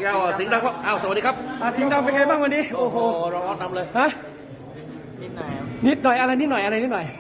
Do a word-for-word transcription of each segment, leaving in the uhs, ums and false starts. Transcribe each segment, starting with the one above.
แก้วสิงห์ดำครับอ้าวสวัสดีครับอ่าสิงห์ดำเป็นไงบ้างวันนี้โอ้โหร้อนนำเลยฮะนิดหน่อยครับนิดหน่อยอะไรนิดหน่อยอะไรนิดหน่อย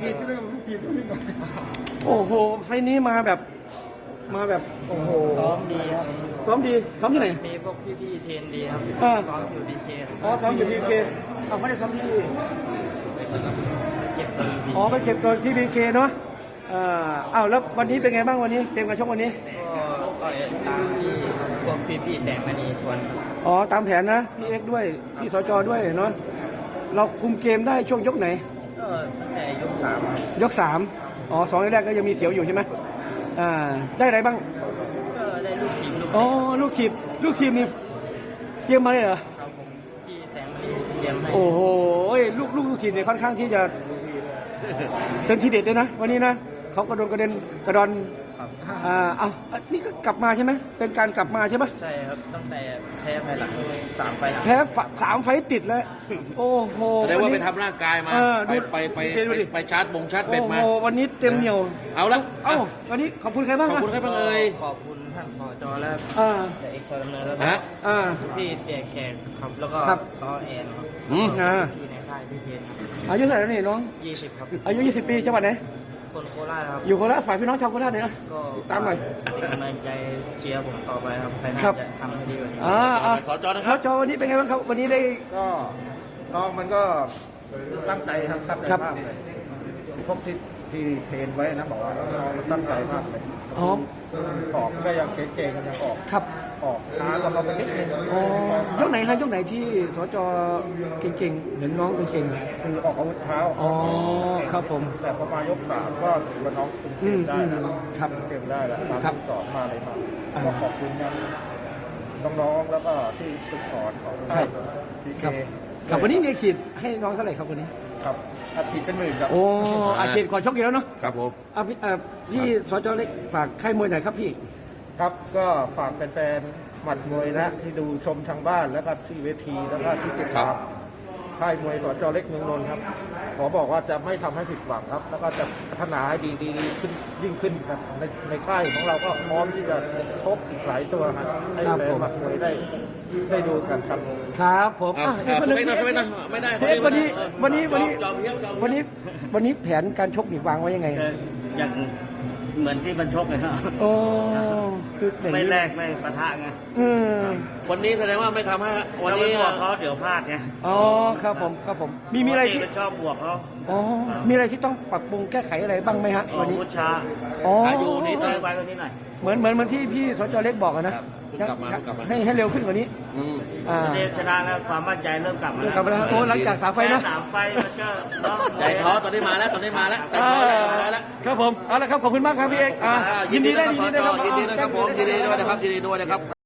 โอ้โหไฟนี้มาแบบมาแบบโอ้โหซ้อมดีครับซ้อมดีซ้อมที่ไหนมีพวกพี่ๆเทรนดีครับซ้อมอยู่ดีเคอ๋อซ้อมอยู่ดีเคเอาไม่ได้ซ้อมที่เก็บตัวอ๋อไปเก็บตัวที่ดีเคเนาะอ่าอ้าวแล้ววันนี้เป็นไงบ้างวันนี้เกมการชกวันนี้ก็ก็ตามที่พวกพี่ๆแสงมณีทวนอ๋อตามแผนนะพี่เอ็กด้วยพี่สจด้วยเนาะเราคุมเกมได้ช่วงยกไหนก็ตั้งแต่ยกสามยกสามอ๋อสองแรกก็ยังมีเสียวอยู่ใช่ไหมอ่าได้อะไรบ้างก็ได้ลูกทีมลูกอ๋อลูกทีมลูกทีมนี่เตรียมมาเลยเหรอครับผมพี่แสงมณีเตรียมให้โอ้โหลูกลูกลูกทีมเนี่ยค่อนข้างที่จะเป็นทีเด็ดเลยนะวันนี้นะเขากระโดนกระเด็นกระดอนอ่าเอานี่ก็กลับมาใช่ไหมเป็นการกลับมาใช่ไหมใช่ครับตั้งแต่แพ้ไปหลังสามไฟแพ้สามไฟติดแล้วโอ้โหแสดงว่าไปทำร่างกายมาไปไปไปไปชาร์จบงชาร์จเป็ดมาโอ้โหวันนี้เต็มเหนียวเอาละเอ้าวันนี้ขอบคุณใครบ้างขอบคุณใครบ้างเอ่ยขอบคุณท่านผอ.จอและแต่เอกชนดำเนินแล้วก็พี่เสียแขกครับแล้วก็ซ้อแอนครับอืมพี่ในค่ายพี่เพนอายุเท่าไหร่แล้วนี่น้องยี่สิบครับอายุยี่สิบปีจังหวัดไหนคนโคราชครับอยู่โคราชฝ่ายพี่น้องชาวโคราชเนี่ยนะก็ตามหน่อยเป็นกำลังใจเชียร์ผมต่อไปครับใครน่าจะทำให้ดีกว่านี้อ่าสจนะครับสจวันนี้เป็นไงบ้างครับวันนี้ได้ก็น้องมันก็ตั้งใจครับตั้งใจมากเลยพวกที่ที่เทรนไว้นะบอกว่าน้องมันตั้งใจมากเลยอ๋อออกก็ยังเก่งๆกันยังออกครับออกช้าก็เราไปนิดนึงอ๋อยกไหนฮะยกไหนที่สจเก่งๆเห็นน้องเก่งๆคือออกอาวุธเท้าอ๋อครับผมแต่พอมายกสามก็ถือว่าน้องคุมเกมได้นะครับเกมได้แล้วตามที่สอนมาเลยมาก็ขอบคุณน้องๆแล้วก็ที่ฝึกสอนของค่ายพีเคครับวันนี้มีขีดให้น้องเท่าไหร่ครับวันนี้ครับอาชีพเป็นหมื่นครับโอ้อาชีพก่อนชกอยู่แล้วเนาะครับผมอ่าพี่สจเล็กฝากค่ายมวยหน่อยครับพี่ครับก็ฝากแฟนๆหมัดมวยนะที่ดูชมทางบ้านแล้วก็ที่เวทีแล้วก็ที่ติดตามค่ายมวยสจเล็กเมืองนนท์ครับขอบอกว่าจะไม่ทำให้ผิดหวังครับแล้วก็จะพัฒนาให้ดีดีขึ้นยิ่งขึ้นครับในในค่ายของเราก็พร้อมที่จะชกอีกหลายตัวครับให้แฟนหมัดมวยได้ได้ดูกันครับครับผมไม่ได้ไม่ได้ไม่ได้วันนี้วันนี้วันนี้วันนี้วันนี้แผนการชกหนีวางไว้ยังไงอย่างเหมือนที่มันชกเลยครับโอ้คือไม่แลกไม่ปะทะไงวันนี้แสดงว่าไม่ทำให้วันนี้บวกเขาเดี๋ยวพลาดไงอ๋อครับผมครับผมมีมีอะไรที่ชอบบวกเขาอ๋อมีอะไรที่ต้องปรับปรุงแก้ไขอะไรบ้างไหมฮะวันนี้พุชช้าอ๋ออยู่นิดนึงไปกว่านี้หน่อยเหมือนเหมือนเหมือนที่พี่สจเล็กบอกนะให้ให้เร็วขึ้นกว่านี้อ่าชนะแล้วความมั่นใจเริ่มกลับมาแล้วกลับมาแล้วโอ้หลังจากสามไฟนะสามไฟมันก็ใจท้อตอนนี้มาแล้วตอนนี้มาแล้วครับผมเอาละครับขอบคุณมากครับพี่เอกยินดีด้วยยินดีด้วยนะครับผมยินดีด้วยนะครับยินดีด้วยนะครับ